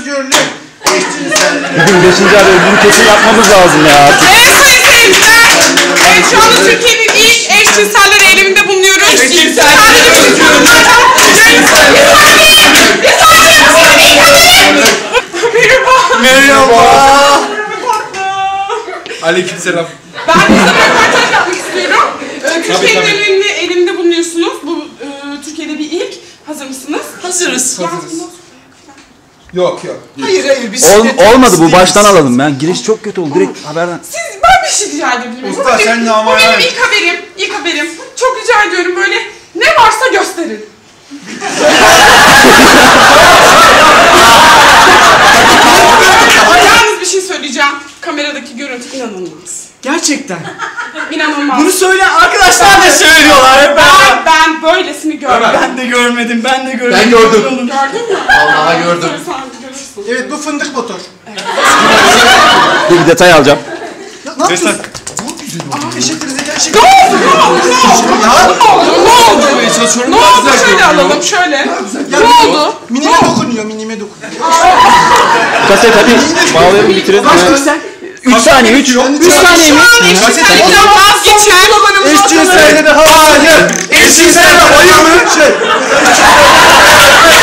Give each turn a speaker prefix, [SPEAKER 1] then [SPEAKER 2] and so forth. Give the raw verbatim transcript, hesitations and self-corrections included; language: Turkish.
[SPEAKER 1] özgürlük. Eşcinsellik.
[SPEAKER 2] Bugün beşinci ay ödülü kesin yapmamız lazım ya.
[SPEAKER 3] Evet sayın seyirciler. Evet şu anda Türkiye'nin ilk eşcinseller eyleminde bulunuyoruz.
[SPEAKER 1] Eşcinseller
[SPEAKER 3] Sadece
[SPEAKER 1] özgürlük.
[SPEAKER 3] Merhaba.
[SPEAKER 1] Merhaba. Aleykümselam.
[SPEAKER 3] Ben size bir röportaj yapmak istiyorum. Ee, Türkiye'nin
[SPEAKER 1] tabii.
[SPEAKER 3] elinde, elinde bulunuyorsunuz. Bu e, Türkiye'de bir ilk. Hazır mısınız?
[SPEAKER 4] Hazırız.
[SPEAKER 3] Ya,
[SPEAKER 1] Hazırız. Yok yok.
[SPEAKER 4] Hayır hayır biz
[SPEAKER 2] Ol,
[SPEAKER 4] şiddet
[SPEAKER 2] olmadı bu
[SPEAKER 4] değiliz.
[SPEAKER 2] baştan alalım. Ben giriş çok kötü oldu. Direkt haberden.
[SPEAKER 3] Siz, ben bir şey rica edebilir miyim?
[SPEAKER 1] Usta,
[SPEAKER 3] Bu benim-
[SPEAKER 1] sen de ama
[SPEAKER 3] Bu benim
[SPEAKER 1] yani.
[SPEAKER 3] ilk haberim. İlk haberim. Çok rica ediyorum böyle ne varsa gösterin. Yalnız bir şey söyleyeceğim. Kameradaki görüntü inanılmaz.
[SPEAKER 4] Gerçekten.
[SPEAKER 3] İnanılmaz.
[SPEAKER 4] Bunu söyleyen arkadaşlar da söylüyorlar. Hep
[SPEAKER 3] ben,
[SPEAKER 4] ben.
[SPEAKER 3] ben böylesini görmedim.
[SPEAKER 4] Ben de görmedim, ben de görmedim.
[SPEAKER 1] Ben gördüm.
[SPEAKER 3] Gördün mü?
[SPEAKER 1] Vallahi gördüm.
[SPEAKER 3] Sen görürsün.
[SPEAKER 1] Evet bu fındık motor.
[SPEAKER 2] Bir detay alacağım.
[SPEAKER 4] Ne yapıyorsun?
[SPEAKER 1] Teşekkür ederim.
[SPEAKER 3] Ne oldu? Ne oldu? Ne oldu? Ne oldu? Ne oldu? Ne oldu? Şöyle alalım, şöyle. Ne oldu?
[SPEAKER 1] Minime dokunuyor, minime dokunuyor.
[SPEAKER 2] Kaset hadi bağlayalım bitirelim.
[SPEAKER 4] Sen
[SPEAKER 2] üç saniye üç. üç saniye
[SPEAKER 3] Şu
[SPEAKER 2] mi?
[SPEAKER 3] an eşcinsellikten vazgeçen.
[SPEAKER 1] Eşcinselde de hayır. Eşcinselde hayır mı? Şey.